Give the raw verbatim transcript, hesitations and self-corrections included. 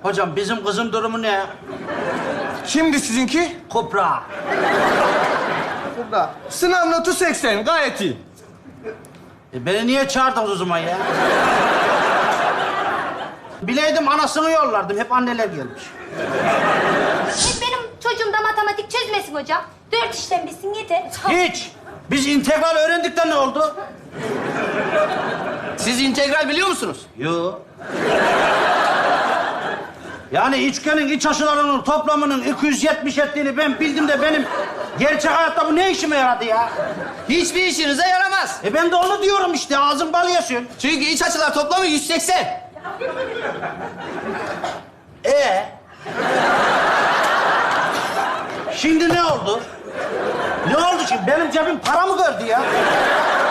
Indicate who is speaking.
Speaker 1: Hocam bizim kızın durumu ne?
Speaker 2: Kimdi sizinki?
Speaker 1: Kupra.
Speaker 2: Burada. Sınav notu seksen, gayet iyi.
Speaker 1: E beni niye çağırdınız o zaman ya? Bileydim anasını yollardım. Hep anneler gelmiş.
Speaker 3: Hep benim çocuğum da matematik çözmesin hocam. Dört işlem bilsin yeter.
Speaker 1: Hiç. Biz integral öğrendik de ne oldu?
Speaker 4: Siz integral biliyor musunuz?
Speaker 1: Yo. Yani üçgenin iç açılarının toplamının iki yüz yetmiş ettiğini ben bildim de benim gerçek hayatta bu ne işime yaradı ya?
Speaker 4: Hiçbir işinize yaramaz.
Speaker 1: E ben de onu diyorum işte. Ağzım bal yaşıyor.
Speaker 4: Çünkü iç açılar toplamı yüz seksen.
Speaker 1: Ee? Şimdi ne oldu? Ne oldu şimdi? Benim cebim para mı gördü ya?